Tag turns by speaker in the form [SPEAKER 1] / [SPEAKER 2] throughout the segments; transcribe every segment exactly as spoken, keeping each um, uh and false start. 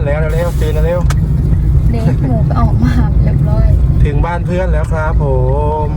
[SPEAKER 1] แล้วเร็วๆตื่นเร็ว
[SPEAKER 2] เด็กหมูก็ออกมาเรียบร้อย
[SPEAKER 1] ถึงบ้านเพื่อนแล้วครับผม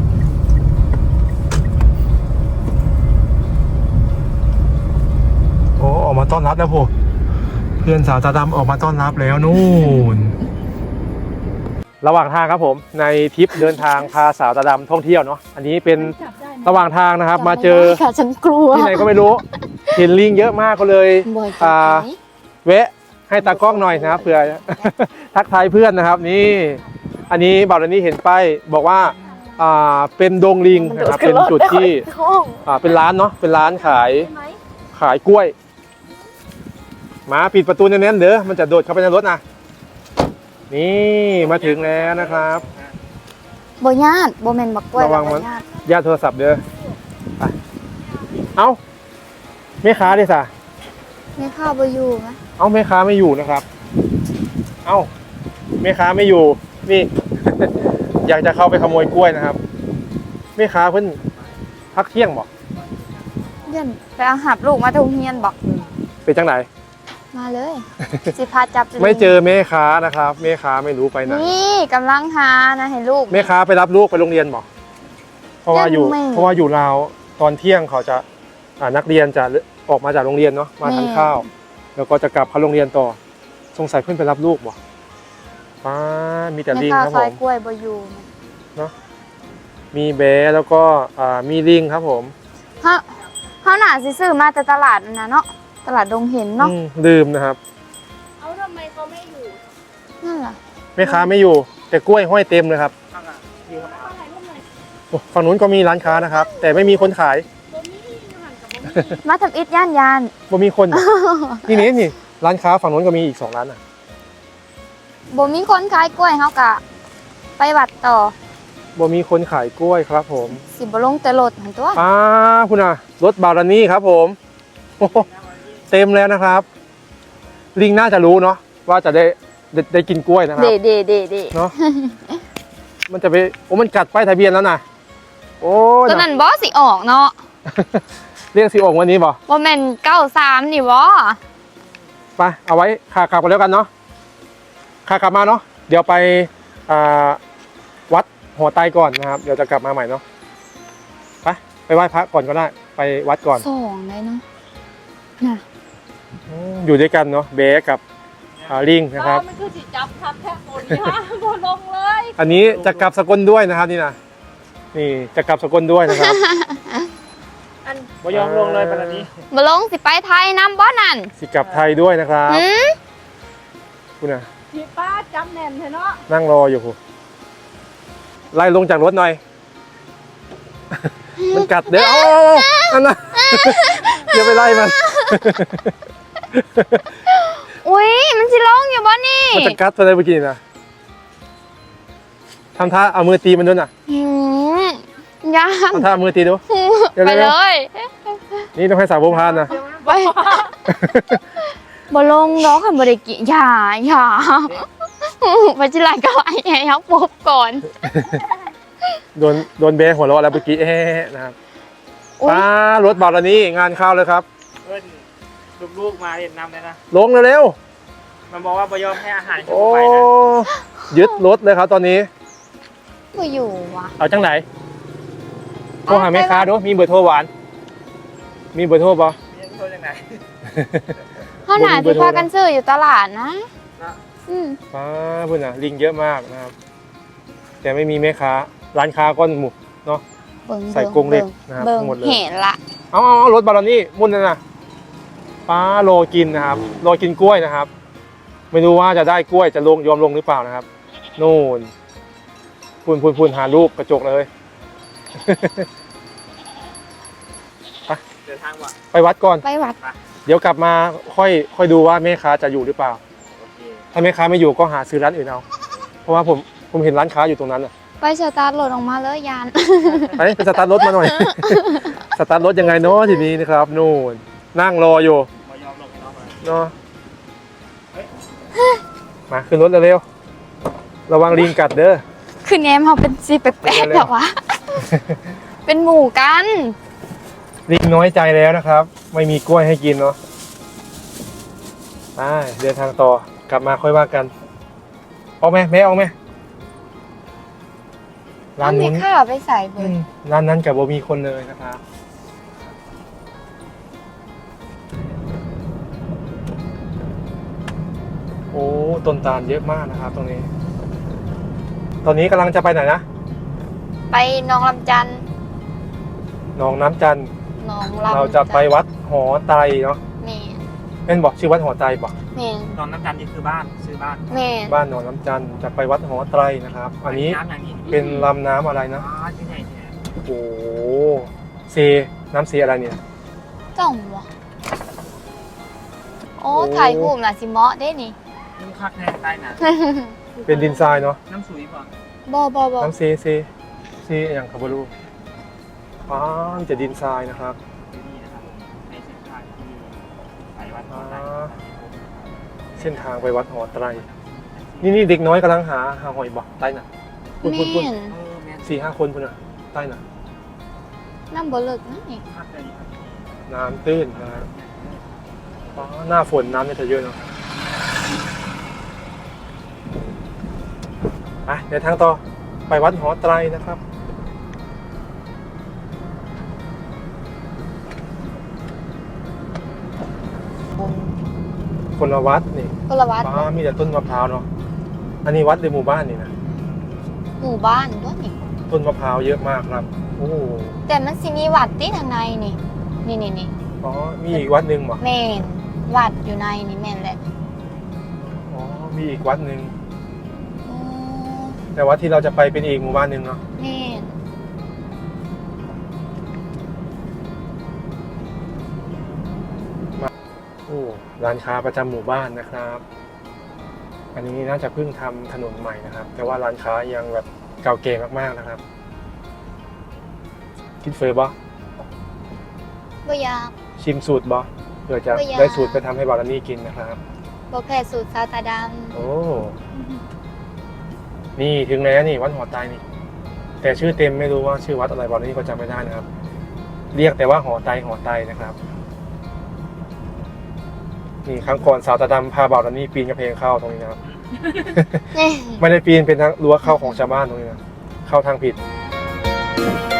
[SPEAKER 1] โอ้ออกมาต้อนรับแล้วผมเพื่อนสาวตาดำออกมาต้อนรับแล้วนู่นระหว่างทางครับผมในทริปเดินทางพาสาวตาดำท่องเที่ยวเนาะอันนี้เป็นระหว่างทางนะครับมาเจอ
[SPEAKER 2] ค่ะฉันกลัว
[SPEAKER 1] ที่ไหนก็ไม่รู้เห็นลิงเยอะมากก็เลยอ่าแวะให้ตากล้องหน่อยนะครับเผื่อ ทักทายเพื่อนนะครับนี่อันนี้บ่าวรนี้เห็นป้ายบอกว่าอ่าเป็นดงลิงนะครับเป็นจุดที่อ่าเป็นร้านเนาะเป็นร้านขายขายกล้วยมาปิดประตูแน่นๆเด้อมันจะโดดเข้าไปในรถนะนี่มาถึงแล้วนะครับ
[SPEAKER 2] โบญาติโบเมนบักกล้วย
[SPEAKER 1] ระวังมัน
[SPEAKER 2] ญาติ
[SPEAKER 1] ญาติโทรศัพท์เด้อไปเอ้าแม่ค้าดิสะ
[SPEAKER 2] ไม่เข้าโบอยู่ไหม
[SPEAKER 1] เอ้าแม่ค้าไม่อยู่นะครับ เอ้าแม่ค้าไม่อยู่นี่ อยากจะเข้าไปขโมยกล้วยนะครับแม่ค้าเพิ่นพักเที่ยงบอก
[SPEAKER 2] เดี๋ยวไปเอาหับลูกมาทุ่งเฮียนบอก
[SPEAKER 1] เป็นจังไหน
[SPEAKER 2] มาเลย สิพาจับลิง
[SPEAKER 1] ไม่เจอแม่ค้านะครับแม่ค้าไม่รู้ไปไหน
[SPEAKER 2] นี่กำลังหานะให้ลูก
[SPEAKER 1] แม่ค้าไปรับลูกไปโรงเรียนบอกเพราะว่าอยู่
[SPEAKER 2] ยังไม่
[SPEAKER 1] เพราะว่าอยู่ลาวตอนเที่ยงเขาจะอ่านักเรียนจะออกมาจากโรงเรียนเนาะมาทานข้าว แล้วก็จะกลับเข้าโรงเรียนต่อสงสัยเพื่อนไปรับลูกบอกป้ามีแต่ลิง
[SPEAKER 2] แม่
[SPEAKER 1] ครับ
[SPEAKER 2] ค้า
[SPEAKER 1] ผ
[SPEAKER 2] ซอย
[SPEAKER 1] ม
[SPEAKER 2] กล้วยโบอยู่นะ
[SPEAKER 1] มีแบะแล้วก็อ่ามีลิงครับผม
[SPEAKER 2] เขาเขาหนาสิซื้อมาแต่ตลาดนั่นนะเนาะตลาดดงเห็นเนาะ
[SPEAKER 1] อืมลืมนะครับ
[SPEAKER 3] เอาทำไมเขาไม่อยู่
[SPEAKER 2] นั่นแหละ
[SPEAKER 1] แม่ค้าไม่อยู่แต่กล้วยห้อยเต็มเลยครับโอ้ฝั่งนู้นก็มีร้านค้านะครับ แต่ไม่มีคนขาย
[SPEAKER 2] มาทำอิฐย่านยาน
[SPEAKER 1] บ่มีคน นี่นี่นี่ร้านค้าฝั่งนู้นก็มีอีกสองร้านอ่ะ
[SPEAKER 2] โบมีคนขายกล้วยเขากะ ไปวัดต่อ
[SPEAKER 1] บ่มีคนขายกล้วยครับผม
[SPEAKER 2] สิบลงแต่รถหันตัว
[SPEAKER 1] ป้าคุณอ่ะรถบารานี่ครับผม โอ้โหเต็มแล้วนะครับ ลิงน่าจะรู้เนาะว่าจะได้ได้ได้กินกล้วยนะครั
[SPEAKER 2] เด
[SPEAKER 1] บ
[SPEAKER 2] เดเดเด
[SPEAKER 1] เนาะ มันจะไปโอ้มันกัดป้ายทะเบียนแล้วนะโอ้ย
[SPEAKER 2] ตัวนั้นบอสิออกเนาะ
[SPEAKER 1] เรียกสีออกวันนี้บ่
[SPEAKER 2] ว่าแมนเก้าสามนี่บอ
[SPEAKER 1] ไปเอาไว้ขากลับกันแล้วกันเนาะขากลับมาเนาะเดี๋ยวไปอ่าวัดหัวไตก่อนนะครับเดี๋ยวจะกลับมาใหม่เนาะไปไปไหว้พระก่อนก็ได้ไปวัดก่อน
[SPEAKER 2] สองเลยเนาะน่ะ
[SPEAKER 1] อืมอยู่ด้วยกันเนาะเบสกับอ่าลิงนะครับ
[SPEAKER 3] มันคือจิจับทับแทบโอนนี่ฮะโดนลงเลย
[SPEAKER 1] อันนี้จะกลับสกลด้วยนะครับนี่นะนี่จะกลับสกลด้วยนะครับ
[SPEAKER 3] อัน
[SPEAKER 4] บ่ยอมลงเลยปานนี้
[SPEAKER 2] มาลงสิไปไทยน้ำบอนั่น
[SPEAKER 1] สิกลับไทยด้วยนะครับ
[SPEAKER 2] หืม
[SPEAKER 1] คุณนะ
[SPEAKER 3] พี่ป้าจำแน่นเถอะเนาะ
[SPEAKER 1] นั่งรออยู่คุณไล่ลงจากรถหน่อย มันกัดเด้อโอ้นั่นนะ อย่าไปไล่มัน
[SPEAKER 2] อุ้ยมันสิลงอยู่บอนี่
[SPEAKER 1] มันจะกัดอะไรเมื่อกี้นะทำท่าเอามือตีมันด้วยนะ
[SPEAKER 2] หืมยัง
[SPEAKER 1] ทำท่าเอามือตีดู เดี๋ยว
[SPEAKER 2] ไป
[SPEAKER 1] เดี๋
[SPEAKER 2] เล
[SPEAKER 1] ยว
[SPEAKER 2] ย
[SPEAKER 1] นี่ต้องให้สาวผู้พานนะ
[SPEAKER 2] ไปบ่ลงดอกคันบ่ได้กินอย่าอย่าไปจิไลก็ไอ้ให้เขาปบก่อน
[SPEAKER 1] โดนโดนเบะหัวเราะแล้วเมื่อกี้เอ๊ะนะครับ
[SPEAKER 2] อุ๊ย
[SPEAKER 1] ป้ารถบาร์นี้งานเข้าเลยครับ
[SPEAKER 4] เพื่อนลูกๆมาเห็นนำเลยนะ
[SPEAKER 1] ลงเร็ว
[SPEAKER 4] มันบอกว่าบ่ยอมให้อาหาร
[SPEAKER 1] ๆ
[SPEAKER 4] เขา
[SPEAKER 1] โอ้
[SPEAKER 4] ไปนะ
[SPEAKER 1] ยึดรถเลยครับตอนนี้
[SPEAKER 2] บ่อยู่ว่ะ
[SPEAKER 1] เอาจังไหนโทรหาแม่ค้าดูมีเบอร์โทรหวาน มีเบอร์โทรปะ
[SPEAKER 4] เรียนโทษยังไง
[SPEAKER 2] เขาหนาที่พากันซื้ออยู่ตลาดนะ
[SPEAKER 4] นะ
[SPEAKER 2] อืม
[SPEAKER 1] ป้าพุ่นอ่ะลิงเยอะมากนะครับ แต่ไม่มีแม่ค้า ร้านค้าก้อนหมูเนาะ
[SPEAKER 2] เบิ่ง
[SPEAKER 1] ใส่กรงเหล็ก
[SPEAKER 2] บิ่
[SPEAKER 1] นะครับ
[SPEAKER 2] เบิ่ง
[SPEAKER 1] ทั้งหมดเลย
[SPEAKER 2] เห็นละ
[SPEAKER 1] เอาเอาเอารถบารานี่มุ่นนั่นน่ะป้าโลกินนะครับโลกินกล้วยนะครับ ไม่รู้ว่าจะได้กล้วยจะลงยอมลงหรือเปล่านะครับโน่นพูนพูนพูนหารูปกระจกเลย
[SPEAKER 4] เดินทางว่ะ
[SPEAKER 1] ไปวัดก่อน
[SPEAKER 2] ไปวัด
[SPEAKER 1] เดี๋ยวกลับมาค่อยค่อยดูว่าแม่ค้าจะอยู่หรือเปล่า
[SPEAKER 4] โอเค
[SPEAKER 1] ถ้าแม่ค้าไม่อยู่ก็หาซื้อร้านอื่นเอา เพราะว่าผมผมเห็นร้านค้าอยู่ตรงนั้นอ่ะ
[SPEAKER 2] ไปสตาร์ทรถออกมาเลยยาน
[SPEAKER 1] ไปไปสตาร์ทรถมาหน่อย สตาร์ทรถยังไงเนาะทีนี้นะครับนู่นนั่งรออยู่
[SPEAKER 4] บ่ยอมลงให้น้องมา
[SPEAKER 1] เนาะมาขึ้นรถเร็วๆระวังลิงกัดเด้อ
[SPEAKER 2] คือแนมเขาเป็นสีแปลก
[SPEAKER 1] เร็
[SPEAKER 2] ๆ
[SPEAKER 1] วๆ
[SPEAKER 2] แต่ว่า เป็นหมู่กัน
[SPEAKER 1] ลิงน้อยใจแล้วนะครับ ไม่มีกล้วยให้กินเนาะไปเดินทางต่อกลับมาค่อยว่ากันออกไหมแม่ออกไหมร้าน
[SPEAKER 2] เอา
[SPEAKER 1] นู้
[SPEAKER 2] ไม่
[SPEAKER 1] น
[SPEAKER 2] ข้าไปใส่เบ
[SPEAKER 1] อื
[SPEAKER 2] อร์
[SPEAKER 1] มร้านนั้นกับบ่มีคนเลยนะครับโอ้ต้นตาลเยอะมากนะครับ ตรงนี้ ตอนนี้กำลังจะไปไหนนะ
[SPEAKER 2] ไปหนองลำจันทน์
[SPEAKER 1] หนองน้ำจันทร์
[SPEAKER 2] หนองลำ
[SPEAKER 1] เราจะไปวัดหอไตรเนาะ
[SPEAKER 2] แม่น
[SPEAKER 1] เป็นบอกชื่อวัดหอไตรบอก
[SPEAKER 2] แม่น
[SPEAKER 4] นอนน้ำจันทร์นี่คือบ้านซื้อบ้าน
[SPEAKER 2] แม่น
[SPEAKER 1] บ้านหนองน้ำจันทร์จะไปวัดหอไตรนะครับ อันนี้
[SPEAKER 4] น้ำอย่างนี้
[SPEAKER 1] เป็นลำน้ำอะไรนะ
[SPEAKER 4] อ๋อที่ไหนเนี่ย
[SPEAKER 1] โอ้โหเซน้ำเซอะไรเนี่ย
[SPEAKER 2] จ้องวะโอ้
[SPEAKER 1] โอ้
[SPEAKER 2] ถ่ายรูปน่ะสิเหมาะเด้นี่
[SPEAKER 4] น้ำคักแน่ใต้น่ะ
[SPEAKER 1] เป็นดินทรายเนาะ
[SPEAKER 4] น้ำสุยป่ะ
[SPEAKER 2] บ่บ่บ่
[SPEAKER 1] น้ำเซเซเซอย่างคาบารูอ๋อมีแต่ดินทรายนะครับ
[SPEAKER 4] นี่นะครับในเส้นทางที่ไปวัด
[SPEAKER 1] อ่า
[SPEAKER 4] ไตร
[SPEAKER 1] เส้นทางไปวัดหอไตร นี่นี่เด็กน้อยกำลังหาหาหอยบอกใต้น่ะพุ่น
[SPEAKER 2] แม่
[SPEAKER 1] พุ่นพุ่น
[SPEAKER 2] น
[SPEAKER 4] เออแม่น
[SPEAKER 1] สี่ห้าคนพุ่นน่ะใต้น่ะ
[SPEAKER 2] น้ำบ่เลิกนะนี่
[SPEAKER 4] คักเลยครับ
[SPEAKER 1] น้ำตื้นนะครับอ๋อหน้าฝนน้ำเนี่ยจะเยอะเนาะไปเดี๋ยวทางต่อไปวัดหอไตรนะครับ คนละวัดนี่
[SPEAKER 2] คนละวัด
[SPEAKER 1] ป้ามีแต่ต้นมะพร้าวเนาะ อันนี้วัดในหมู่บ้านนี่นะ
[SPEAKER 2] หมู่บ้านด้วยนี่
[SPEAKER 1] ต้นมะพร้าวเยอะมากครับ โอ้
[SPEAKER 2] แต่มันสิมีวัดที่ทางในนี่ นี่นี่นี่
[SPEAKER 1] อ๋อ มีอีกวัดหนึ่งเหรอ
[SPEAKER 2] แม่นวัดอยู่ในนี่แม่นแหละ
[SPEAKER 1] อ๋อ มีอีกวัดหนึ่ง
[SPEAKER 2] อ๋อ
[SPEAKER 1] แต่วัดที่เราจะไปเป็นอีกหมู่บ้านหนึ่งเนาะ
[SPEAKER 2] แม่น
[SPEAKER 1] โอ้ ร้านค้าประจำหมู่บ้านนะครับ อันนี้น่าจะเพิ่งทำถนนใหม่นะครับ แต่ว่าร้านค้ายังแบบเก่าแก่มากๆนะครับ กินเฟอร์บอ
[SPEAKER 2] บ่อยาก
[SPEAKER 1] ชิมสูตรบอเพื่อจะ
[SPEAKER 2] ไม่อยาก
[SPEAKER 1] ได้สูตรไปทำให้บารานี่กินนะครับ
[SPEAKER 2] บ่แพ้สูตรซาวตาด
[SPEAKER 1] โอ้ นี่ถึงแล้วนี่วัดหอไตรนี่ แต่ชื่อเต็มไม่รู้ว่าชื่อวัดอะไรบารานี่ก็จำไม่ได้นะครับ เรียกแต่ว่าหอไตรหอไตรนะครับ นี่ครั้งก่อนสาวตาดำพาบารานี่ปีนกระเพงเข้าตรงนี้นะครับ
[SPEAKER 2] ำนี่
[SPEAKER 1] ไม่ได้ปีนเป็นทางรั้วเข้าของชาวบ้านตรงนี้นะเข้าทางผิด